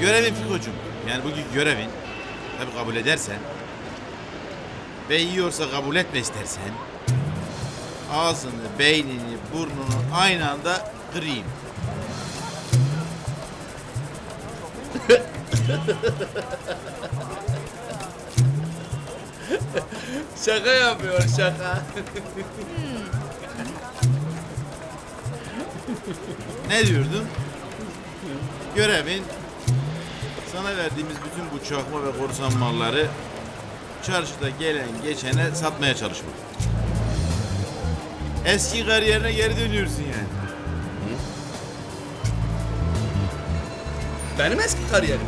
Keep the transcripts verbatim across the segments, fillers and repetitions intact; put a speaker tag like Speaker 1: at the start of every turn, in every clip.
Speaker 1: Görevin Fiko'cum. Yani bugün görevin. Tabii kabul edersen. Ve yiyorsa kabul etme istersen. Ağzını, beynini, burnunu aynı anda kırayım.
Speaker 2: Şaka yapıyor şaka.
Speaker 1: Ne diyordun? Görevin sana verdiğimiz bütün bu çakma ve korsan malları çarşıda gelen geçene satmaya çalışmak. Eski kariyerine geri dönüyorsun yani.
Speaker 2: Benim eski kariyerim.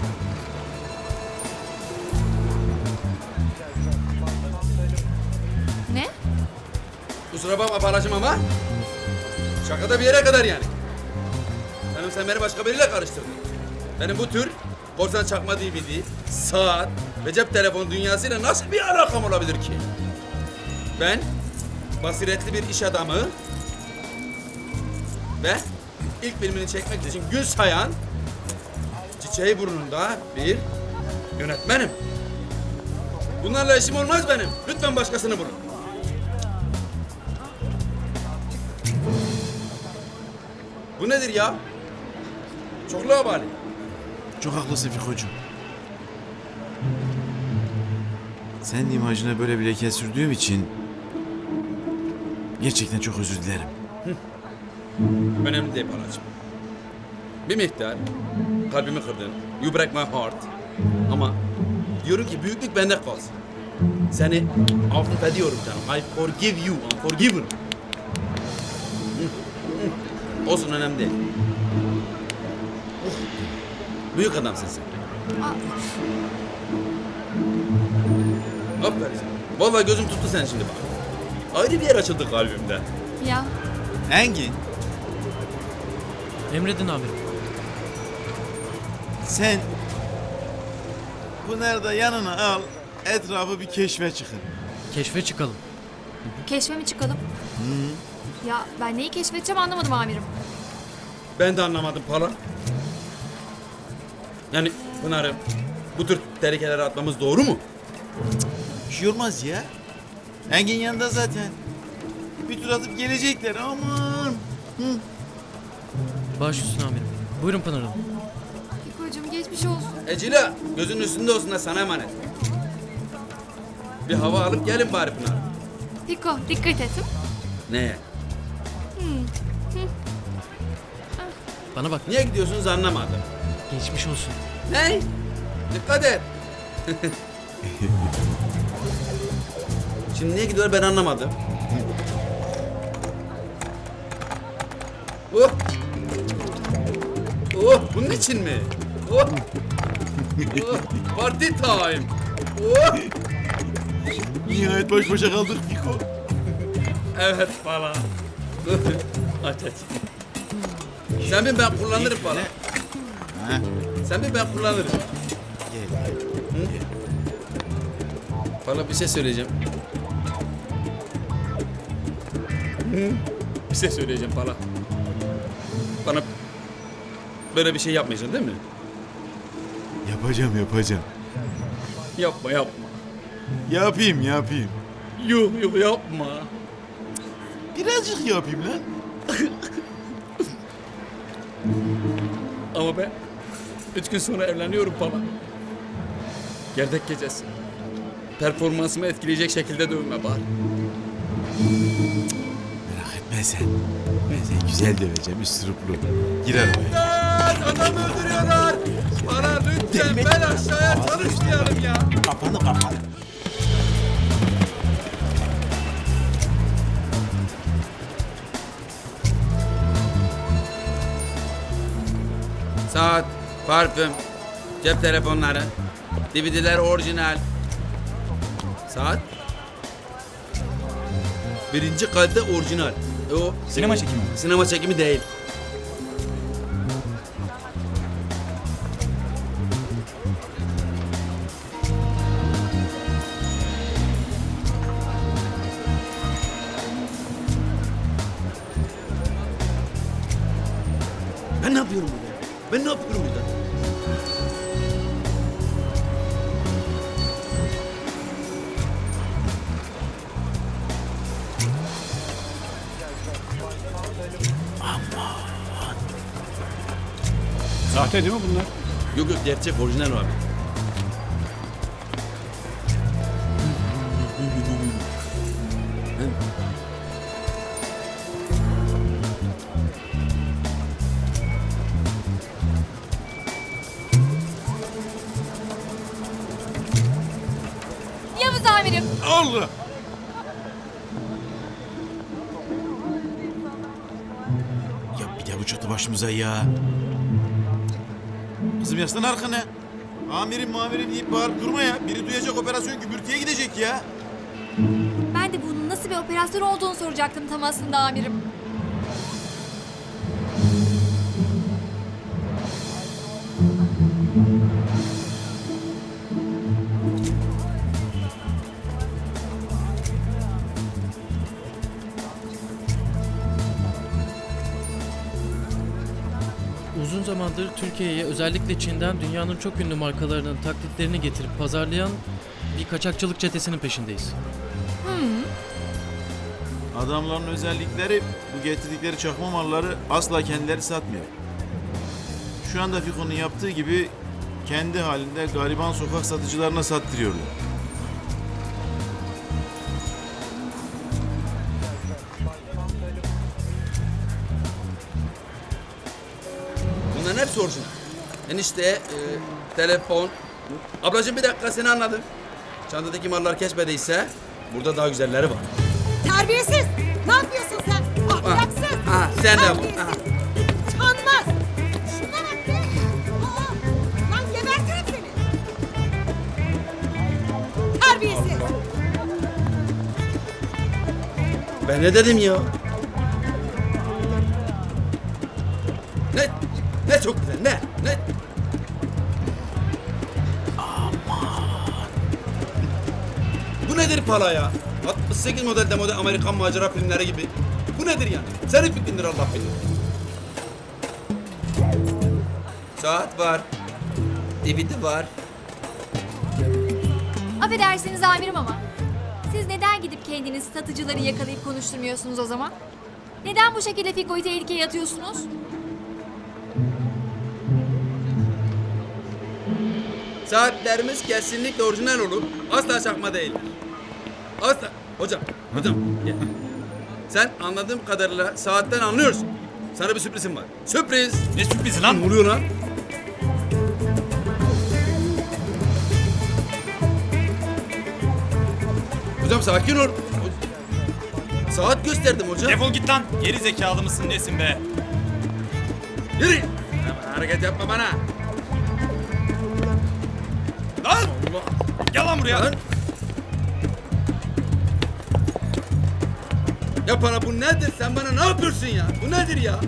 Speaker 3: Ne?
Speaker 2: Kusura bakma palacım ama şakada bir yere kadar yani. Benim sen beni başka biriyle karıştırdın. Benim bu tür korsan çakma D V D, saat ve cep telefonu dünyasıyla nasıl bir alakam olabilir ki? Ben basiretli bir iş adamı ve ilk filmini çekmek için gün sayan çiçeği burnunda bir yönetmenim. Bunlarla işim olmaz benim. Lütfen başkasını bulun. Bu nedir ya? Çok labali.
Speaker 1: Çok haklısın Fiko'cum. Senin imajına böyle bir leke sürdüğüm için gerçekten çok özür dilerim.
Speaker 2: Önemli değil palacığım. Bir miktar kalbimi kırdın. You break my heart. Ama diyorum ki büyüklük bende kalsın. Seni affediyorum canım. I forgive you. I'm forgiven. Olsun önemli değil. Büyük adamsın sen.
Speaker 3: Aa,
Speaker 2: Aferin sana. Vallahi gözüm tuttu sen şimdi bak. Ayrı bir yer açıldı kalbimde.
Speaker 3: ya
Speaker 1: Engin,
Speaker 4: Emredin amirim.
Speaker 1: sen Pınar'ı da yanına al, etrafı bir keşfe çıkın.
Speaker 4: Keşfe çıkalım.
Speaker 3: keşfe mi çıkalım? Ya ben neyi keşfedeceğim anlamadım amirim.
Speaker 2: Ben de anlamadım pala. Yani Pınar'ım bu tür tehlikelere atmamız doğru mu?
Speaker 1: Bir şey olmaz ya. Engin yanında zaten. Bir tur atıp gelecekler aman.
Speaker 4: Baş üstüne amirim. Buyurun Pınar Hanım.
Speaker 3: Fiko'cum geçmiş olsun.
Speaker 2: Ecila gözünün üstünde olsun da sana emanet. Bir hava alıp gelin bari Pınar.
Speaker 3: Fiko dikkat et.
Speaker 2: Neye?
Speaker 4: Bana bak.
Speaker 2: Niye gidiyorsunuz anlamadım.
Speaker 4: Geçmiş olsun.
Speaker 2: Ne? Dikkat et. Şimdi niye gidiyor ben anlamadım. Oh. Oh bunun için mi? Oh. Oh. Party time. Oh.
Speaker 1: Nihayet baş başa kaldık Fiko.
Speaker 2: Evet falan. Aç aç. Sen bin ben kullanırım falan.
Speaker 1: Ha,
Speaker 2: Sen bin ben kullanırım.
Speaker 1: gel.
Speaker 2: Bana bir şey söyleyeceğim. Hı? Bir şey söyleyeceğim bana. Bana böyle bir şey yapmayacaksın değil mi?
Speaker 1: Yapacağım yapacağım.
Speaker 2: Yapma yapma.
Speaker 1: Yapayım yapayım.
Speaker 2: Yok yok yapma.
Speaker 1: Birazcık yapayım lan.
Speaker 2: Ama ben üç gün sonra evleniyorum bana. Gerdek gecesi. Performansımı etkileyecek şekilde dövme bari.
Speaker 1: Merak etme sen. Ben seni güzel döveceğim üstüruplu. Girer oraya.
Speaker 2: Adam öldürüyorlar. Bana lütfen ben aşağıya çalışmayalım ya.
Speaker 1: Kafanı kafanı.
Speaker 2: Saat, parfüm, cep telefonları, D V D'ler orijinal. Saat? Birinci kalite orijinal. E o
Speaker 5: Sinema çekimi mi?
Speaker 2: sinema çekimi değil. Ben ne yapıyorum burada? Ben ne yapıyorum burada?
Speaker 5: Sahte değil mi bunlar?
Speaker 2: Yok yok gerçek orijinal abi.
Speaker 3: Yavuz amirim.
Speaker 1: Allah! Ya bir de bu çatı başımıza ya. Kızım yaslan arkana. Amirim mamirim deyip bağırıp durma ya. Biri duyacak operasyon gümbürtüye gidecek ya.
Speaker 3: Ben de bunun nasıl bir operasyon olduğunu soracaktım tam aslında amirim.
Speaker 4: Uzun zamandır Türkiye'ye özellikle Çin'den dünyanın çok ünlü markalarının taklitlerini getirip pazarlayan bir kaçakçılık çetesinin peşindeyiz.
Speaker 1: Adamların özellikleri bu getirdikleri çakma malları asla kendileri satmıyor. Şu anda Fiko'nun yaptığı gibi kendi halinde gariban sokak satıcılarına sattırıyorlar.
Speaker 2: Bunların hepsi orijinal. Enişte, e, telefon. Ablacığım bir dakika seni anladım. Çantadaki mallar kesmediyse burada daha güzelleri var.
Speaker 6: Terbiyesiz! Ne yapıyorsun sen? Ahlaksız!
Speaker 2: ha, sen de bu,
Speaker 6: Terbiyesiz!
Speaker 2: ha.
Speaker 6: Utanmaz! Şuna bak be! Aa, lan gebertirim seni! Terbiyesiz!
Speaker 2: Ben ne dedim ya? Ne? Ne çok güzel, ne? Ne? Bu nedir pala ya? altmış sekiz modelde model Amerikan macera filmleri gibi. Bu nedir yani? Senin fikrindir Allah bilir. Saat var. D V D var.
Speaker 3: Affedersiniz amirim ama. Siz neden gidip kendiniz satıcıları yakalayıp konuşturmuyorsunuz o zaman? Neden bu şekilde Fiko'yu tehlikeye atıyorsunuz?
Speaker 2: Saatlerimiz kesinlikle orijinal olur. Asla çakma değildir. Asla. Hocam, hocam gel. Sen anladığım kadarıyla saatten anlıyorsun. Sana bir sürprizim var. Sürpriz.
Speaker 5: Ne sürprizi lan?
Speaker 2: Ne oluyor lan? Hocam sakin ol. Saat gösterdim hocam.
Speaker 5: Defol git lan. Geri zekalı mısın nesin be?
Speaker 2: Yürü. Hemen hareket yapma bana.
Speaker 5: Lan!
Speaker 2: Allah.
Speaker 5: Gel lan buraya.
Speaker 2: Lan. Ya bana bu nedir? Sen bana ne yapıyorsun ya? Bu nedir ya?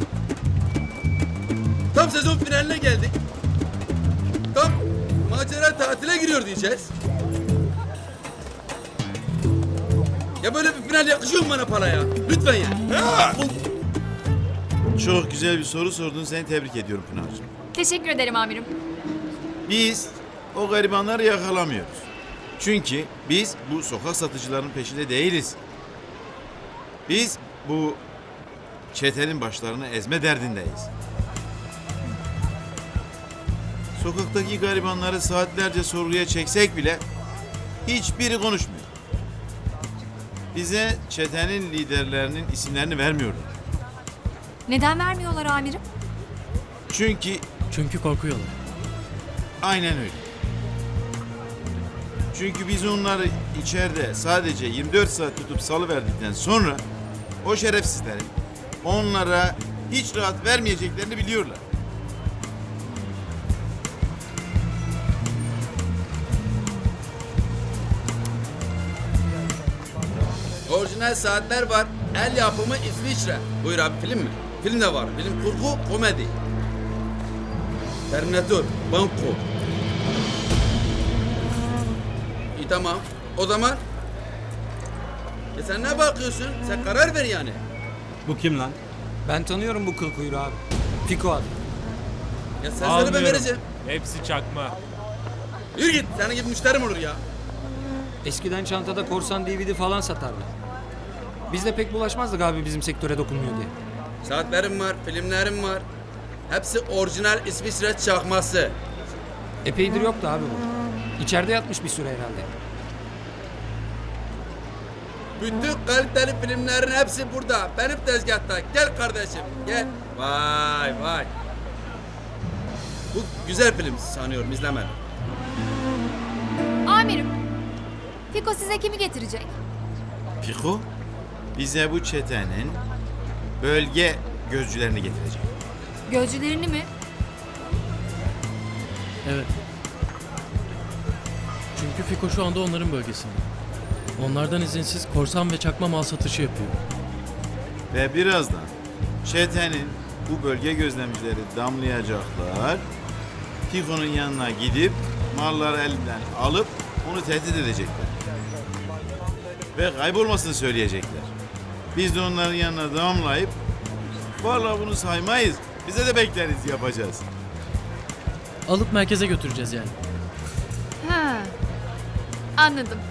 Speaker 2: Tam sezon finaline geldik. Tam macera tatile giriyor diyeceğiz. Ya böyle bir final yakışıyor mu bana para ya? Lütfen ya.
Speaker 1: Çok güzel bir soru sordun. Seni tebrik ediyorum Pınar'cığım.
Speaker 3: Teşekkür ederim amirim.
Speaker 1: Biz o garibanları yakalamıyoruz. Çünkü biz bu sokak satıcılarının peşinde değiliz. Biz bu çetenin başlarını ezme derdindeyiz. Sokaktaki garibanları saatlerce sorguya çeksek bile hiçbiri konuşmuyor. Bize çetenin liderlerinin isimlerini vermiyorlar.
Speaker 3: Neden vermiyorlar amirim?
Speaker 1: Çünkü
Speaker 4: Çünkü korkuyorlar.
Speaker 1: aynen öyle. Çünkü biz onları içeride sadece yirmi dört saat tutup salıverdikten sonra o şerefsizlerin onlara hiç rahat vermeyeceklerini biliyorlar.
Speaker 2: Orijinal saatler var. El yapımı İsviçre. Buyur abi film mi? Film de var. Bilim kurgu, komedi. Terminator, Banco. İyi tamam. O zaman... Ya sen ne bakıyorsun? Sen karar ver yani.
Speaker 5: Bu kim lan?
Speaker 7: Ben tanıyorum bu kıl kuyruğu abi. Fiko adı.
Speaker 2: Ya sen söyle ben vereceğim.
Speaker 5: Hepsi çakma.
Speaker 2: Yürü git. Senin gibi müşterim olur ya.
Speaker 7: Eskiden çantada korsan D V D falan satardı. Biz de pek bulaşmazdık abi bizim sektöre dokunmuyor diye.
Speaker 2: Saatlerim var, filmlerim var. Hepsi orijinal İsviçre çakması.
Speaker 7: Epeydir yoktu abi bu. İçeride yatmış bir süre herhalde.
Speaker 2: Bütün kaliteli filmlerin hepsi burada. Benim tezgahta. Gel kardeşim, gel. Vay vay. Bu güzel film sanıyorum, izlemedim.
Speaker 3: Amirim, Fiko size kimi getirecek?
Speaker 1: Piko bize bu çetenin bölge gözcülerini getirecek.
Speaker 3: Gözcülerini mi?
Speaker 4: Evet. Çünkü Fiko şu anda onların bölgesinde. Onlardan izinsiz korsan ve çakma mal satışı yapıyor.
Speaker 1: Ve birazdan çetenin bu bölge gözlemcileri damlayacaklar. Piko'nun yanına gidip malları elinden alıp onu tehdit edecekler. Ve kaybolmasını söyleyecekler. Biz de onların yanına damlayıp vallahi bunu saymayız, bize de bekleriz yapacağız.
Speaker 4: Alıp merkeze götüreceğiz yani.
Speaker 3: Ha. Anladım.